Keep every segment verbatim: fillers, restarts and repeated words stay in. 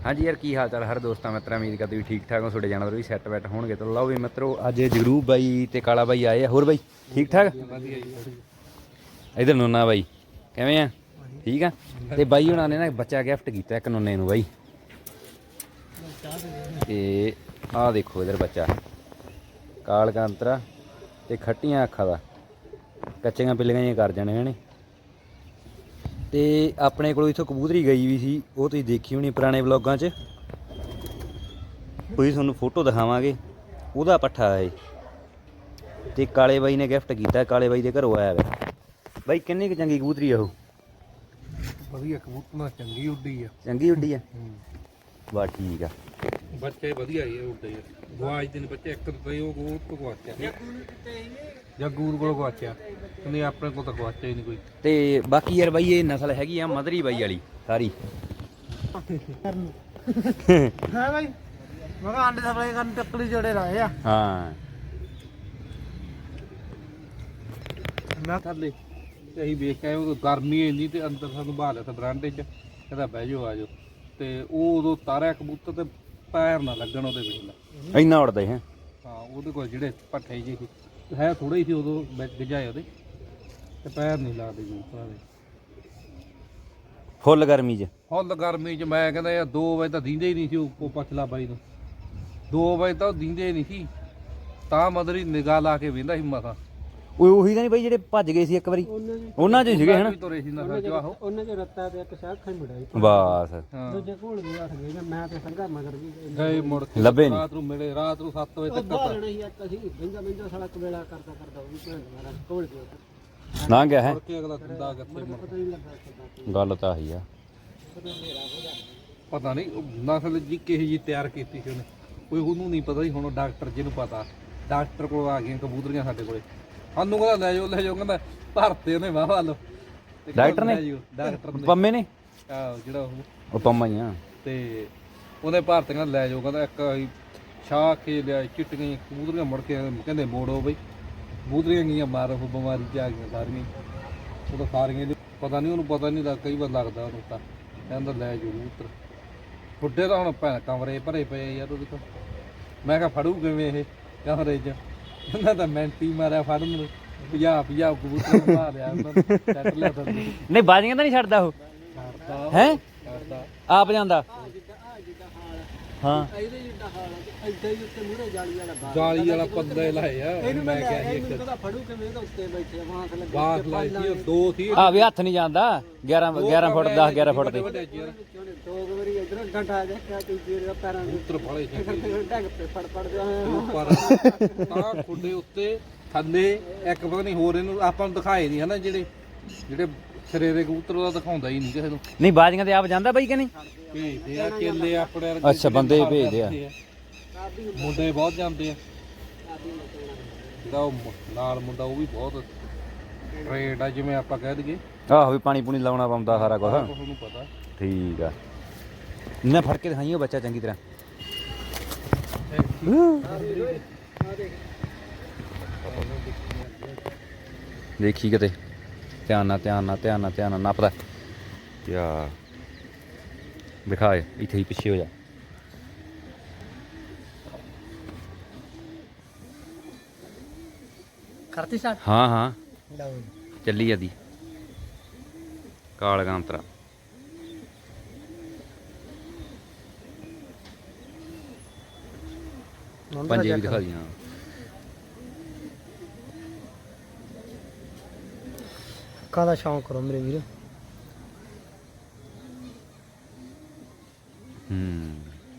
हाँ जी यार की हाल चाल हर दोस्तों मित्रों उम्मीद करते भी ठीक ठाक हो थोड़े जानवर भी सैट वैट होंगे तो लो भी मित्रों अज जगरूप बाई ते काला बाई आए होर बाई ठीक ठाक इधर नूना बाई किवें आ ठीक है तो बाई हुणां ने ना बच्चा गिफ्ट किया एक नूने नूं बाई ते आ देखो इधर बच्चा काल कांतरा ते खट्टियां अखां दा कच्चियां पिल्लियां जिहियां कर जाने ने ਤੇ ਆਪਣੇ ਕੋਲ ਇਥੋਂ ਕਬੂਤਰੀ ਗਈ ਵੀ ਸੀ ਉਹ ਤੁਸੀਂ ਦੇਖੀ ਹੋਣੀ ਪੁਰਾਣੇ ਵਲੌਗਾਂ 'ਚ ਕੋਈ ਤੁਹਾਨੂੰ ਫੋਟੋ ਦਿਖਾਵਾਂਗੇ ਉਹਦਾ ਪੱਠਾ ਹੈ ਤੇ ਕਾਲੇ ਬਾਈ ਨੇ ਗਿਫਟ ਕੀਤਾ ਕਾਲੇ ਬਾਈ ਦੇ ਘਰੋਂ ਆਇਆ ਵਾ ਬਾਈ ਕਿੰਨੀ ਕੁ ਚੰਗੀ ਕਬੂਤਰੀ ਆ ਉਹ ਵਧੀਆ ਕਬੂਤਰ ਚੰਗੀ ਉੱਡੀ ਆ ਚੰਗੀ ਉੱਡੀ ਆ ਬਾ ਠੀਕ ਆ ਬੱਚੇ ਵਧੀਆ ਹੀ ਉੱਡੇ ਗਵਾਚ ਦੇ ਬੱਚੇ ਇੱਕ ਤੇ ਉਹ ਉਹ ਤੋਂ ਗਵਾਚਿਆ ਜੱਗੂਰ ਕੋਲ ਗਵਾਚਿਆ ਨਹੀਂ ਆਪਣੇ ਕੋਲ ਤਾਂ ਗਵਾਚਿਆ ਹੀ ਨਹੀਂ ਕੋਈ ਤੇ ਬਾਕੀ ਯਾਰ ਬਾਈ ਇਹ ਨਸਲ ਹੈਗੀ ਆ ਮਦਰੀ ਬਾਈ ਵਾਲੀ ਸਾਰੀ ਹਾਂ ਬਾਈ ਮੈਂ ਕਿਹਾ ਆਂਡੇ ਸਪਲਾਈ ਕਰਨ ਟੱਕਲੀ ਜੋੜੇ ਲਾਏ ਆ ਹਾਂ ਮੈਂ ਥੱਲੇ ਤੇ ਅਸੀਂ ਵੇਖ ਕੇ ਆਏ ਉਹ ਗਰਮੀ ਇੰਨੀ ਤੇ ਅੰਦਰ ਸਾਨੂੰ ਬਾਹਰ ਲਿਆ ਤਾਂ ਬਰਾਂਡੇ 'ਚ ਕਹਿੰਦਾ ਬਹਿ ਜਾਓ ਆ ਜਾਓ ਤੇ ਉਹ ਉਦੋਂ ਤਾਰਿਆ ਕਬੂਤਰ ਤੇ ਪੈਰ ਨਾ ਲੱਗਣ ਉਹਦੇ ਵਿੱਚ ਇੰਨਾ ਉੜਦਾ ਹੈ ਹਾਂ ਉਹਦੇ ਕੋਲ ਜਿਹੜੇ ਪੱਠੇ ਜਿਹੇ ਸੀ ਹੈ ਥੋੜੇ ਹੀ ਸੀ ਉਦੋਂ ਗਿਜਾਏ ਉਹਦੇ ਤੇ ਪੈਰ ਨਹੀਂ ਲੱਗਦੇ ਕਬੂਤਰਾਂ ਦੇ ਫੁੱਲ ਗਰਮੀ 'ਚ ਫੁੱਲ ਗਰਮੀ 'ਚ ਮੈਂ ਕਹਿੰਦਾ ਯਾਰ ਦੋ ਵਜੇ ਤਾਂ ਦੀਂਦੇ ਹੀ ਨਹੀਂ ਸੀ ਉਹ ਪਛਲਾ ਬਾਈ ਨੂੰ ਦੋ ਵਜੇ ਤਾਂ ਉਹ ਦੀਂਦੇ ਹੀ ਨਹੀਂ ਸੀ ਤਾਂ ਮਦਰੀ ਨਿਗਾਹ ਲਾ ਕੇ ਵੇਂਦਾ ਸੀ ਮਸਾਂ ਉਹ ਉਹੀ ਤਾਂ ਨਹੀਂ ਬਾਈ ਜਿਹੜੇ ਭੱਜ ਗਏ ਸੀ ਇੱਕ ਵਾਰੀ ਉਹਨਾਂ 'ਚ ਹੀ ਸੀਗੇ ਹਨਾ ਤੁਰੇ ਸੀ ਨਸਲ ਚ ਆਹੋ ਉਹਨਾਂ ਚ ਰੱਤਾ ਤੇ ਇੱਕ ਸ਼ਾਖ ਖਾਈ ਮੁੜਾਈ ਬਸ ਦੂਜੇ ਕੋਲ ਵੀ ਉੱਠ ਗਏ ਮੈਂ ਤੇ ਸੰਘਾ ਮਗਰ ਵੀ ਗਏ ਮੁੜ ਕੇ ਲੱਭੇ ਨਹੀਂ ਰਾਤ ਨੂੰ ਮਿਲੇ ਰਾਤ ਨੂੰ ਸੱਤ ਵਜੇ ਤੱਕ ਬਾਹਰ ਹੀ ਇੱਕ ਅਸੀਂ ਬਿੰਦਾ ਬਿੰਦਾ ਸਾਲਾ ਕਵੇਲਾ ਕਰਦਾ ਕਰਦਾ ਉਹ ਵੀ ਭੈਣ ਮਾਰਾ ਕੋਲ ਗਿਆ ਨਾ ਗਿਆ ਹੈ ਮੁੜ ਕੇ ਅਗਲਾ ਦਿੰਦਾ ਕਿੱਥੇ ਮੁੜ ਪਤਾ ਨਹੀਂ ਲੱਗਾ ਗੱਲ ਤਾਂ ਆਹੀ ਆ ਪਤਾ ਨਹੀਂ ਉਹ ਨਸਲ ਜੀ ਕਿਹੋ ਜੀ ਤਿਆਰ ਕੀਤੀ ਸੀ ਉਹਨੇ ਕੋਈ ਉਹਨੂੰ ਨਹੀਂ ਪਤਾ ਸੀ ਹੁਣ ਡਾਕਟਰ ਜਿਹਨੂੰ ਪਤਾ ਡਾਕਟਰ ਕੋਲ ਆ ਗਈਆਂ ਕਬੂਤਰੀਆਂ ਸਾਡੇ ਕੋਲੇ ਸਾਨੂੰ ਕਹਿੰਦਾ ਲੈ ਜਾਓ ਲੈ ਜਾਓ ਕਹਿੰਦਾ ਭਰਤੇ ਉਹਨੇ ਵਾਹ ਵੱਲ ਡਾਕਟਰ ਨੇ ਡਾਕਟਰ ਨੇ ਪੰਮੇ ਨੇ ਆਹ ਜਿਹੜਾ ਉਹ ਉਹ ਪੰਮਾ ਹੀ ਆ ਤੇ ਉਹਨੇ ਭਰਤੀਆਂ ਲੈ ਜਾਓ ਕਹਿੰਦਾ ਇੱਕ ਅਸੀਂ ਛਾਹ ਕੇ ਲਿਆ ਚਿੱਟੀਆਂ ਕਬੂਤਰੀਆਂ ਮੁੜ ਕੇ ਕਹਿੰਦੇ ਮੋੜੋ ਬਈ ਕਬੂਤਰੀਆਂ ਗਈਆਂ ਮਾਰੋ ਬਿਮਾਰੀ ਚ ਆ ਗਈਆਂ ਸਾਰੀਆਂ ਉਹ ਤਾਂ ਸਾਰੀਆਂ ਪਤਾ ਨਹੀਂ ਉਹਨੂੰ ਪਤਾ ਨਹੀਂ ਲੱਗ ਕਈ ਵਾਰ ਲੱਗਦਾ ਉਹਨੂੰ ਤਾਂ ਕਹਿੰਦਾ ਲੈ ਜਾਓ ਕਬੂਤਰ ਬੁੱਢੇ ਤਾਂ ਹੁਣ ਭੈਣ ਕਮਰੇ ਭਰੇ ਪਏ ਯਾਰ ਉਹਦੇ ਕੋਲ ਮੈਂ ਕਿਹਾ ਫੜੂ ਕਿਵੇਂ ਇਹ ਕਮਰੇ 'ਚ ਉਹਨਾਂ ਦਾ ਮੈਂਟੀ ਮਾਰਿਆ ਫੜਨ ਨੂੰ ਪੰਜਾਹ ਪੰਜਾਹ ਕਬੂਤਰ ਮਾਰਿਆ ਉਹਨਾਂ ਨੂੰ ਸੈੱਟ ਲਿਆ ਤਾਂ ਨਹੀਂ ਬਾਜ਼ੀਆਂ ਤਾਂ ਨਹੀਂ ਛੱਡਦਾ ਉਹ ਕਰਦਾ ਹੈ ਕਰਦਾ ਆਪ ਜਾਂਦਾ ਹਾਂ ਇਹਦੇ ਜਿੱਡਾ ਹਾਲ ਹੈ ਇੱਦਾਂ ਹੀ ਉੱਤੇ ਮੂਹਰੇ ਜਾਲੀ ਵਾਲਾ ਬਾਹਰ ਜਾਲੀ ਵਾਲਾ ਪੱਲੇ ਲਾਏ ਆ ਮੈਂ ਕਿਹਾ ਸੀ ਇੱਕ ਉਹਦਾ ਫੜੂ ਕਿਵੇਂ ਇਹਦਾ ਉੱਤੇ ਬੈਠੇ ਬਾਂਸ ਲੱਗੇ ਬਾਸ ਲਾਈ ਸੀ ਉਹ ਦੋ ਸੀ ਆ ਵੀ ਹੱਥ ਨਹੀਂ ਜਾਂਦਾ ਗਿਆਰਾਂ ਗਿਆਰਾਂ ਫੁੱਟ ਦਸ ਗਿਆਰਾਂ ਫੁੱਟ ਦੇ ਦੋ ਵਾਰੀ ਇਧਰ ਡੰਡਾ ਦੇਖਿਆ ਕਿ ਜਿਹੜੇ ਪੈਰਾਂ ਦੇ ਕਬੂਤਰ ਫੜੇ ਸੀ ਟੈਗ ਤੇ ਫੜ ਫੜ ਗਿਆ ਉੱਪਰ ਤਾਂ ਖੁੱਡੇ ਉੱਤੇ ਥੱਲੇ ਇੱਕ ਪਤਾ ਨਹੀਂ ਹੋਰ ਇਹਨੂੰ ਆਪਾਂ ਨੂੰ ਦਿਖਾਏ ਨਹੀਂ ਹਨਾ ਜਿਹੜੇ ਜਿਹੜੇ ਸਿਰੇ ਦੇ ਕਬੂਤਰ ਉਹਦਾ ਦਿਖਾਉਂਦਾ ਹੀ ਨਹੀਂ ਕਿਸੇ ਨੂੰ ਨਹੀਂ ਬਾਜ਼ੀਆਂ ਤੇ ਆਪ ਜਾਂਦਾ ਬਾਈ ਕਿ ਨਹੀਂ ਭੇਜਦੇ ਆ ਕੇਲੇ ਆਪਣੇ ਵਰਗੇ ਅੱਛਾ ਬੰਦੇ ਹੀ ਭੇਜਦੇ ਆ ਮੁੰਡੇ ਬਹੁਤ ਜਾਂਦੇ ਆ ਜਿਹੜਾ ਉਹ ਮੁ- ਨਾਲ ਮੁੰਡਾ ਉਹ ਵੀ ਬਹੁਤ ਟ੍ਰੇਡ ਆ ਜਿਵੇਂ ਆਪਾਂ ਕਹਿ ਦਈਏ ਆਹੋ ਵੀ ਪਾਣੀ ਪੂਣੀ ਲਾਉਣਾ ਪਾਉਂਦਾ ਸਾਰਾ ਕੁਝ ਉਹਨੂੰ ਪਤਾ ਠੀਕ ਆ ਨਾ ਫੜ ਕੇ ਦਿਖਾਈਓ ਬੱਚਾ ਚੰਗੀ ਤਰ੍ਹਾਂ ਦੇਖੀ ਕਿਤੇ ਧਿਆਨ ਨਾਲ ਧਿਆਨ ਨਾਲ ਧਿਆਨ ਨਾਲ ਧਿਆਨ ਨਾਲ ਨੱਪਦਾ ਯਾ ਦਿਖਾਏ ਇੱਥੇ ਹੀ ਪਿੱਛੇ ਹੋ ਜਾ ਕਰਤੀ ਸਾਡ ਹਾਂ ਹਾਂ ਚੱਲੀ ਜਾਂਦੀ ਕਾਲ ਕਾਂਤਰਾ ਪੰਜੇ ਵੀ ਦਿਖਾ ਦੀ ਹਾਂ ਅੱਖਾਂ ਦਾ ਸ਼ੌਂਕ ਕਰੋ ਮੇਰੇ ਵੀਰ ਹੂੰ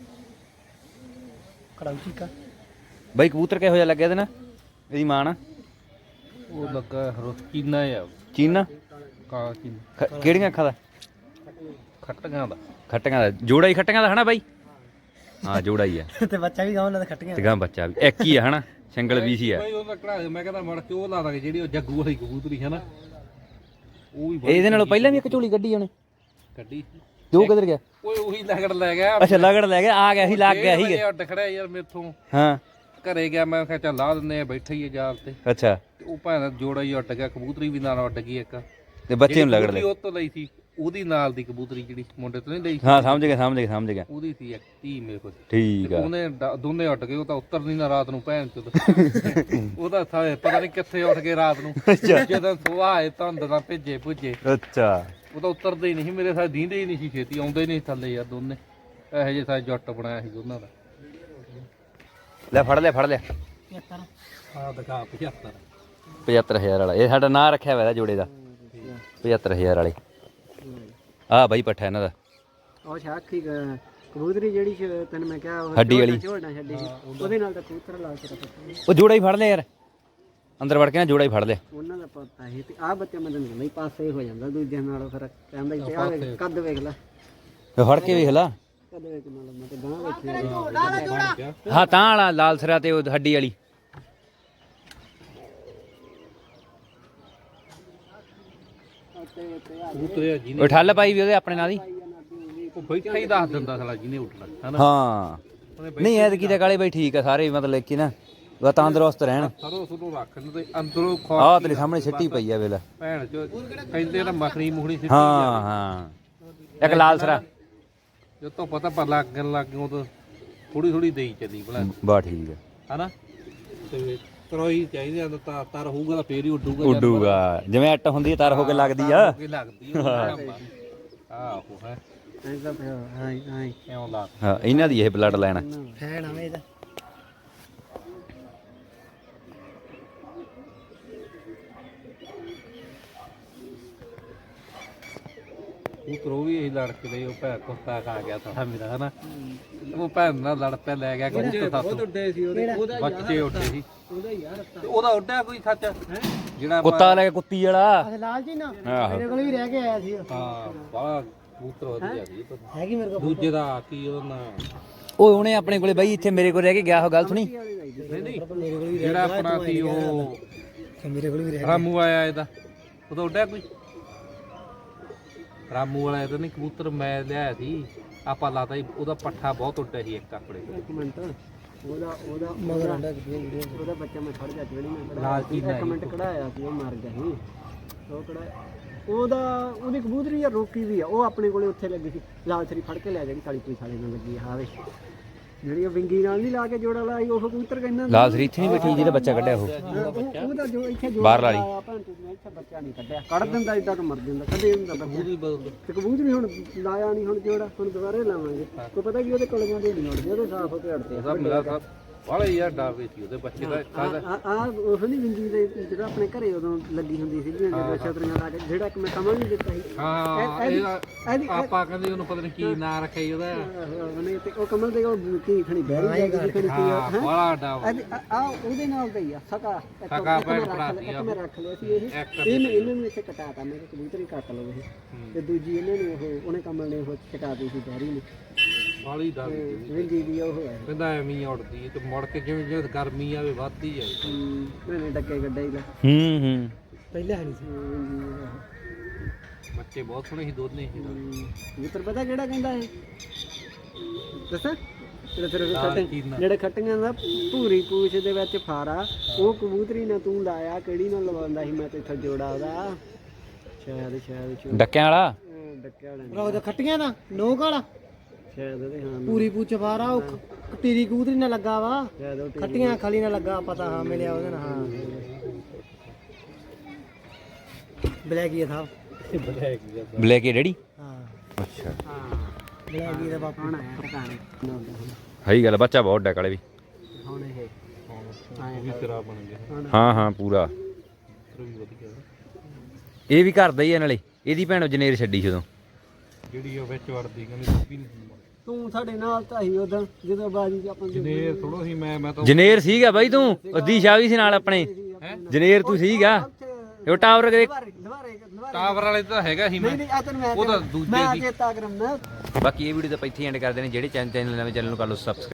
ਕੜਾਉ ਚੀਕਾ ਬਾਈ ਕਬੂਤਰ ਕਿਹੋ ਜਿਹਾ ਲੱਗਿਆ ਤੇ ਨਾ ਇਹਦੀ ਮਾਂ ਨਾ ਉਹ ਲੱਗਾ ਰੋਚੀਨਾ ਆ ਚੀਨਾ ਕਾ ਕੀ ਖ- ਕਿਹੜੀਆਂ ਅੱਖਾਂ ਦਾ ਖੱਟੀਆਂ ਦਾ ਖੱਟੀਆਂ ਦਾ ਜੋੜਾ ਹੀ ਖੱਟੀਆਂ ਦਾ ਹਨਾ ਬਾਈ ਹਾਂ ਜੋੜਾ ਹੀ ਆ ਤੇ ਬੱਚਾ ਵੀ ਗਾਉਂ ਨਾਲ ਖੱਟੀਆਂ ਤੇ ਗਾਂ ਬੱਚਾ ਵੀ ਇੱਕ ਹੀ ਆ ਹਨਾ ਸਿੰਗਲ ਵੀ ਸੀ ਆ ਬਈ ਉਹ ਲੱਕੜਾ ਮੈਂ ਕਹਿੰਦਾ ਮੜ ਕੇ ਉਹ ਲਾ ਦਾਂਗੇ ਜਿਹੜੀ ਉਹ ਜੱਗੂ ਵਾਲੀ ਕਬੂਤਰੀ ਹੈ ਨਾ ਉਹ ਵੀ ਇਹਦੇ ਨਾਲੋਂ ਪਹਿਲਾਂ ਵੀ ਇੱਕ ਝੋਲੀ ਕੱਢੀ ਉਹਨੇ ਕੱਢੀ ਤੇ ਉਹ ਕਿੱਧਰ ਗਿਆ ਓਏ ਉਹੀ ਲਗੜ ਲੈ ਗਿਆ ਅੱਛਾ ਲਗੜ ਲੈ ਗਿਆ ਆ ਗਿਆ ਸੀ ਲੱਗ ਗਿਆ ਸੀ ਉੱਡ ਖੜਿਆ ਯਾਰ ਮੇਥੋਂ ਹਾਂ ਘਰੇ ਗਿਆ ਮੈਂ ਕਿਹਾ ਚੱਲ ਲਾ ਦਿੰਦੇ ਆ ਬੈਠੇ ਹੀ ਆ ਜਾਲ ਤੇ ਅੱਛਾ ਤੇ ਉਹ ਭਾਂ ਜੋੜਾ ਹੀ ਉੱਡ ਗਿਆ ਕਬੂਤਰੀ ਵੀ ਨਾਲ ਉੱਡ ਗਈ ਇੱਕ ਤੇ ਬੱਚੇ ਨੂੰ ਲਗੜ ਲੈ ਉਹ ਤੋਂ ਲਈ ਸੀ ਉਹਦੀ ਨਾਲ ਦੀ ਕਬੂਤਰੀ ਜਿਹੜੀ ਮੁੰਡੇ ਤੋਂ ਨਹੀਂ ਲਈ ਹਾਂ ਸਮਝ ਗਿਆ ਸਮਝ ਗਿਆ ਸਮਝ ਗਿਆ ਉਹਦੀ ਸੀ ਇੱਕ ਧੀ ਮੇਰੇ ਕੋਲ ਠੀਕ ਆ ਉਹਨੇ ਡ- ਦੋਨੇ ਉੱਡ ਗਏ ਉਹ ਤਾਂ ਉੱਤਰ ਨਹੀਂ ਨਾ ਰਾਤ ਨੂੰ ਭੈਣ ਚੋਦ ਉਹਦਾ ਥਾਂ ਪਤਾ ਨਹੀਂ ਕਿੱਥੇ ਉੱਠ ਗਏ ਰਾਤ ਨੂੰ ਜਦੋਂ ਸੁਆਹ ਆਏ ਧੁੰਦ ਨਾਲ ਭੇਜੇ ਭੁੱਜੇ ਅੱਛਾ ਉਹ ਤਾਂ ਉਤਰਦੇ ਹੀ ਨਹੀਂ ਸੀ, ਮੇਰੇ ਸਾਹ ਦੀਂਦੇ ਹੀ ਨਹੀਂ ਸੀ ਛੇਤੀ ਆਉਂਦੇ ਹੀ ਨਹੀਂ ਸੀ ਥੱਲੇ ਯਾਰ ਦੋਨੇ ਇਹੋ ਜਿਹੇ ਸਾਹ ਜੱਟ ਬਣਾਇਆ ਸੀ ਉਹਨਾਂ ਦਾ ਲੈ ਫੜ ਲਿਆ ਫੜ ਲਿਆ ਆਹ ਦਿਖਾ ਪਝੱਤਰ ਪਝੱਤਰ ਹਜ਼ਾਰ ਵਾਲਾ ਇਹ ਸਾਡਾ ਨਾਂ ਰੱਖਿਆ ਹੋਇਆ ਇਹਦਾ ਜੋੜੇ ਦਾ ਪਝੱਤਰ ਹਜ਼ਾਰ ਵਾਲੇ ਆਹ ਬਾਈ ਪੱਠਾ ਇਹਨਾਂ ਦਾ ਉਹ ਸਾਖੀ ਕਬੂਤਰੀ ਜਿਹੜੀ ਸ਼- ਤੈਨੂੰ ਮੈਂ ਕਿਹਾ ਉਹ ਹੱਡੀ ਵਾਲੀ। ਝੋਲਣਾ ਛੱਡੀ ਸੀ ਉਹਦੇ ਨਾਲ ਤਾਂ ਕਬੂਤਰ ਲਾ ਕੇ ਰੱਖਿਆ ਉਹ ਜੋੜਾ ਹੀ ਫੜ ਲਿਆ ਯਾਰ ਅੰਦਰ ਵੜ ਕੇ ਨਾ ਜੋੜਾ ਹੀ ਫੜ ਲਿਆ ਉਹਨਾਂ ਦਾ ਪਤਾ ਸੀ ਤੇ ਆਹ ਬੱਚਾ ਮੈਂ ਤੈਨੂੰ ਕਹਿੰਦਾ ਪਾਸੇ ਹੋ ਜਾਂਦਾ ਦੂਜਿਆਂ ਨਾਲੋਂ ਫਿਰ ਕਹਿੰਦਾ ਇੱਥੇ ਆ ਵੇਖ ਕੱਦ ਵੇਖ ਲੈ ਫੇ ਫੜ ਕੇ ਵੇਖ ਲਾ ਕੱਦ ਵੇਖ ਨਾਲ ਮੈਂ ਤੇ ਗਾਂ ਵੇਖੀ ਹਾਂ ਤਾਂ ਵਾਲਾ ਲਾਲ ਸਿਰਾ ਤੇ ਉਹ ਹੱਡੀ ਵਾਲੀ ਕਬੂਤਰੇ ਜਿਹਨੇ ਉਹ ਠੱਲ ਪਾਈ ਵੀ ਉਹਦੇ ਆਪਣੇ ਨਾਲ ਹੀ ਉਹ ਬੈਠਾ ਹੀ ਦੱਸ ਦਿੰਦਾ ਸਾਲਾ ਜਿਹਨੇ ਉੱਠਣਾ ਹਨਾ ਹਾਂ ਨਹੀਂ ਐ ਤਾਂ ਕਾਲੇ ਬਾਈ ਠੀਕ ਆ ਸਾਰੇ ਮਤਲਬ ਕਿ ਨਾ ਵਾ ਤੰਦਰੁਸਤ ਰਹਿਣ ਸਰੋਂ ਸੁਰੋਂ ਰੱਖਣ ਤੇ ਅੰਦਰੋਂ ਖਾ ਆਹ ਤੇਰੇ ਸਾਹਮਣੇ ਸਿੱਟੀ ਪਈ ਆ ਵੇਲਾ ਭੈਣ ਚੋ ਕਹਿੰਦੇ ਨਾ ਮਖਣੀ ਮੁਖਣੀ ਸਿੱਟੀ ਹਾਂ ਹਾਂ ਇੱਕ ਲਾਲ ਸਿਰਾ ਜਦ ਤੋਂ ਪਤਾ ਪਰ ਲੱਗਣ ਲੱਗ ਗਿਆ ਉਦੋਂ ਥੋੜੀ ਥੋੜੀ ਦੇਈ ਚੱਲੀ ਭਲਾ ਬਾ ਠੀਕ ਆ ਹਨਾ ਤੇ ਤਰੋਈ ਚਾਹੀਦੀ ਆ ਤਾਂ ਤਰ ਹੋਊਗਾ ਤਾਂ ਫੇਰ ਹੀ ਉੱਡੂਗਾ ਉੱਡੂਗਾ ਜਿਵੇਂ ਅੱਟ ਹੁੰਦੀ ਆ, ਤਰ ਹੋ ਕੇ ਲੱਗਦੀ ਆ ਕੀ ਲੱਗਦੀ ਆ ਆਹੋ ਹੈ ਐਂਦਾ ਪਿਆ ਹਾਂ ਹਾਂ ਕਿਉਂ ਲਾ ਹਾਂ ਇਹਨਾਂ ਦੀ ਇਹ ਬਲੱਡ ਲਾਈਨ ਆ ਹੈ ਨਾ ਇਹਦਾ ਉਹ ਤਰੋ ਵੀ ਇਹ ਲੜ ਕੇ ਲਈ ਉਹ ਭੈਣ ਕੁੱਤਾ ਖਾ ਗਿਆ ਤਾਂ ਮੇਰਾ ਹਨਾ ਉਹ ਭੈਣ ਨਾਲ ਲੜ ਪਿਆ ਲੈ ਗਿਆ ਕਬੂਤਰ ਸਾਥੋਂ ਉੱਡੇ ਸੀ ਉਹਦੇ ਉਹਦਾ ਬੱਚੇ ਉੱਡੇ ਸੀ ਉਹਦਾ ਯਾਰ ਤੇ ਉਹਦਾ ਉੱਡਿਆ ਕੋਈ ਸੱਚ ਜਿਹੜਾ ਕੁੱਤਾ ਲੈ ਕੇ ਕੁੱਤੀ ਵਾਲਾ ਲਾਲ ਜੀ ਨਾ ਆਹੋ ਮੇਰੇ ਕੋਲ ਵੀ ਰਹਿ ਕੇ ਆਇਆ ਸੀ ਹਾਂ ਬਾਹਲਾ ਕਬੂਤਰ ਵਧੀਆ ਸੀ ਹੈਗੀ ਮੇਰੇ ਕੋਲ ਦੂਜੇ ਦਾ ਕੀ ਉਹਦਾ ਨਾਂ ਉਹ ਉਹਨੇ ਆਪਣੇ ਕੋਲੇ ਬਾਈ ਇੱਥੇ ਮੇਰੇ ਕੋਲ ਰਹਿ ਕੇ ਗਿਆ ਉਹ ਗੱਲ ਸੁਣੀ ਨਹੀਂ ਨਹੀਂ ਜਿਹੜਾ ਆਪਣਾ ਸੀ ਉਹ ਮੇਰੇ ਕੋਲ ਵੀ ਰਾਮੂ ਆਇਆ ਇਹਦਾ ਉਹਦਾ ਉੱਡਿਆ ਕੋਈ ਰਾਮੂ ਵਾਲਾ ਇਹਦਾ ਨਹੀਂ ਕਬੂਤਰ ਮੈਂ ਲਿਆਇਆ ਸੀ ਆਪਾਂ ਲਾਤਾ ਸੀ ਉਹਦਾ ਪੱਠਾ ਬਹੁਤ ਉੱਡਿਆ ਸੀ ਇੱਕ ਆਪਣੇ ਇੱਕ ਮਿੰਟ ਉਹਦਾ ਉਹਦਾ ਮਗਰ ਆਂਦਾ ਉਹਦਾ ਬੱਚਾ ਮੈਂ ਫੜ ਗਿਆ ਜਿਹੜੀ ਮੈਂ ਲਾਲ ਚੀਜ਼ ਇੱਕ ਮਿੰਟ ਕਢਾਇਆ ਸੀ ਉਹ ਮਰ ਗਿਆ ਸੀ ਉਹ ਕਢਾਇਆ ਉਹਦਾ ਉਹਦੀ ਕਬੂਤਰੀ ਆ ਰੋਕੀ ਵੀ ਆ ਉਹ ਆਪਣੇ ਕੋਲੇ ਉੱਥੇ ਲੱਗੀ ਸੀ ਲਾਲ ਸਰੀ ਫੜ ਕੇ ਲੈ ਜਿਹੜੀ ਕਾਲੀ ਪੁਲਿਸ ਵਾਲੇ ਨਾਲ ਲੱਗੀ ਆ ਵੇ ਜਿਹੜੀ ਉਹ ਵਿੰਗੀ ਨਾਲ ਨਹੀਂ ਲਾ ਕੇ ਜੋੜਾ ਲਾਈ ਉਹ ਕਬੂਤਰ ਕਹਿੰਦਾ ਲਾਲ ਸਰੀ ਇੱਥੇ ਨਹੀਂ ਬੈਠੀ ਜਿਹਦਾ ਬੱਚਾ ਕੱਢਿਆ ਉਹ ਉਹ- ਉਹਦਾ ਜੋ ਇੱਥੇ ਜੋੜਾ ਬਾਹਰ ਵਾਲੀ। ਲਾਇਆ ਭੈਣ ਚੋਦ ਨੇ ਇੱਥੇ ਬੱਚਾ ਨਹੀਂ ਕੱਢਿਆ ਕੱਢ ਦਿੰਦਾ ਇਦਾਂ ਤਾਂ ਮਰ ਜਾਂਦਾ ਕਦੇ ਹੁੰਦਾ ਬੱਚਾ ਉਹਦੀ ਬਦਲ ਤੇ ਕਬੂਤਰੀ ਹੁਣ ਲਾਇਆ ਨਹੀਂ ਹੁਣ ਜੋੜਾ ਹੁਣ ਦੁਬਾਰੇ ਲਾਵਾਂਗੇ ਕੋਈ ਪਤਾ ਕੀ ਉਹਦੇ ਕੋਲ ਜਾਂਦੇ ਨਹੀਂ ਉੜਦੇ ਉਹਦੇ ਸਾਫ ਹੋ ਕੇ ਅੜਦੇ ਉਹਦਾ ਮੇਰਾ ਤਾਂ ਬਾਹਲਾ ਯਾਰ ਡਰ ਵੀ ਸੀ ਉਹਦੇ ਬੱਚੇ ਦਾ ਕਾਹਦਾ ਆ ਆ ਉਹ ਨਹੀਂ ਵਿੰਗੀ ਦੇ ਜਿਹੜਾ ਆਪਣੇ ਘਰੇ ਉਦੋਂ ਲੱਗੀ ਹੁੰਦੀ ਸੀ ਜਿਹੜਾ ਛਤਰੀਆਂ ਲਾ ਕੇ ਜਿਹੜਾ ਇੱਕ ਮੈਂ ਕਮਲ ਨਹੀਂ ਦਿੱਤਾ ਸੀ ਹਾਂ ਇਹਦੀ- ਇਹਦਾ ਇਹਦੀ- ਆਪਾਂ ਕਹਿੰਦੇ ਉਹਨੂੰ ਪਤਾ ਨਹੀਂ ਕੀ ਨਾਂ ਰੱਖਿਆ ਸੀ ਉਹਦਾ ਉਹਨੇ ਤੇ ਉਹ ਕਮਲ ਦੇ ਉਹ ਕੀ ਖਣੀ ਬਹਿਰੀ ਜਾਂਦੀ ਸੀ ਖਣੀ ਕੀ ਹਾਂ ਬਾਹਲਾ ਡਰ ਆ ਉਹਦੇ ਨਾਲ ਦਾ ਹੀ ਆ ਸਕਾ ਇੱਕ ਸਕਾ ਇੱਕ ਮੈਂ ਭੈਣ ਰੱਖ ਭਰਾ ਲਿਆ- ਸੀ ਇੱਕ ਆ। ਮੈਂ ਰੱਖ ਲਿਆ ਸੀ ਇਹ ਇੱਕ ਇਹਨੂੰ ਇਹਨਾਂ ਨੂੰ ਇੱਥੇ ਕਟਾਤਾ ਮੈਂ ਕਿਹਾ ਕਬੂਤਰੀ ਕੱਟ ਲਓ ਇਹ ਤੇ ਦੂਜੀ ਇਹਨਾਂ ਨੂੰ ਉਹ ਉਹਨੇ ਕਮਲ ਨੇ ਉਹ ਕਟਾਤੀ ਸੀ ਬਹਿਰੀ ਨੇ ਬਾਹਲੀ ਡਰ ਸੀ ਵਿੰਗੀ ਦੀ ਉਹ ਹੈ ਕਹਿੰਦਾ ਐਵੇਂ ਹੀ ਉੱਡਦੀ ਤੇ ਮੁੜ ਕੇ ਜਿਵੇਂ ਜਿਵੇਂ ਗਰਮੀ ਆਵੇ ਵੱਧਦੀ ਜਾਏ ਮੈਨੇ ਡੱਕੇ ਗੱਡੇ ਹੀ ਲਾ ਹੂੰ ਹੂੰ ਪਹਿਲਾਂ ਨਹੀਂ ਸੀ ਬੱਚੇ ਬਹੁਤ ਸੋਹਣੇ ਸੀ ਦੋਨੇ ਹੀ ਮਿੱਤਰ ਪਤਾ ਕਿਹੜਾ ਕਹਿੰਦਾ ਇਹ ਦੱਸਾਂ ਜਿਹੜੇ ਤੇਰੇ ਕੋਲ ਲਾਲ ਖੱਟੇ ਚੀਨਾ। ਜਿਹੜੇ ਖੱਟੀਆਂ ਦਾ ਭੂਰੀ ਪੂਛ ਦੇ ਵਿੱਚ ਫਾਰਾ ਉਹ ਕਬੂਤਰੀ ਨੇ ਤੂੰ ਲਾਇਆ ਕਿਹੜੀ ਨਾਲ ਲਵਾਉਂਦਾ ਸੀ ਮੈਂ ਤੇ ਇੱਥੇ ਜੋੜਾ ਉਹਦਾ ਸ਼ਾਇਦ ਸ਼ਾਇਦ ਚੋ- ਡੱਕਿਆਂ ਵਾਲਾ ਅਹ ਡੱਕਿਆ ਵਾਲਾ ਨਹੀਂ ਉਹਦਾ ਖੱਟੀਆਂ ਦਾ ਨੋਕ ਵਾਲਾ ਸ਼ਾਇਦ ਉਹਦੇ ਹਾਂ ਪੂਰੀ ਪੂਛ ਫਾਰਾ ਉਹ ਟੀਰੀ ਕਬੂਤਰੀ ਨਾਲ ਲੱਗਾ ਵਾ ਸ਼ਾਇਦ ਉਹ ਖੱਟੀਆਂ ਖਲੀ ਨਾਲ ਲੱਗਾ ਪਤਾ ਹਾਂ ਮਿਲਿਆ ਉਹਦੇ ਨਾਲ ਹਾਂ ਬਲੈਕੀ ਥਾ ਬਲੈਕ ਏ ਡੈਡੀ ਹਾਂ ਅੱਛਾ ਹਾਂ ਬਲੈਕੀ ਦਾ ਬਾਪੂ ਹੁਣ ਆਇਆ ਟਿਕਾਣੇ ਸਹੀ ਗੱਲ ਆ, ਬੱਚਾ ਬਹੁਤ ਡੈਕ ਵਾਲੇ ਵੀ ਹੁਣ ਇਹ ਉਹ ਵੀ ਤੇਰਾ ਬਣ ਗਿਆ ਹਾਂ ਹਾਂ ਪੂਰਾ ਫਿਰ ਵੀ ਵਧੀਆ ਇਹ ਵੀ ਘਰ ਦਾ ਹੀ ਆ ਨਾਲੇ ਇਹਦੀ ਭੈਣ ਜਨੇਰ ਛੱਡੀ ਸੀ ਉਦੋਂ ਜਿਹੜੀ ਉਹ ਵਿੱਚ ਵੜਦੀ ਕਹਿੰਦੀ ਵੀ ਨਹੀਂ ਤੂੰ ਸਾਡੇ ਨਾਲ ਤਾਂ ਹੀ ਉਦੋਂ ਜਦੋਂ ਬਾਜੀ ਚ ਆਪਾਂ ਜਨੇ ਥੋੜਾ ਸੀ ਮੈਂ ਮੈਂ ਤਾਂ ਜਨੇਰ ਸੀਗਾ ਬਾਈ ਤੂੰ ਉਹਦੀ ਸ਼ਾਹ ਵੀ ਸੀ ਨਾਲ ਆਪਣੇ ਜਨੇਰ ਤੂੰ ਸੀਗਾ ਉਹ ਟਾਵਰ ਦੇ ਦੁਬਾਰੇ ਦੁਬਾਰੇ ਦੁਬਾਰੇ ਟਾਵਰ ਵਾਲੇ ਤਾਂ ਹੈਗਾ ਸੀ ਮੈਂ ਨਹੀਂ ਆ ਤੈਨੂੰ ਮੈਂ ਉਹ ਤਾਂ ਦੂਜੇ ਮੈਂ ਸੀ ਚੇਤਾ ਕਰਮ ਨਾ ਬਾਕੀ ਇਹ ਵੀਡੀਓ ਤਾਂ ਇੱਥੇ ਐਂਡ ਕਰਦੇ ਨੇ ਜਿਹੜੇ ਚੈਨਲ ਨਵੇਂ ਚੈਨਲ ਨੂੰ ਕਰ ਲਓ ਸਬਸਕ੍ਰਾਈਬ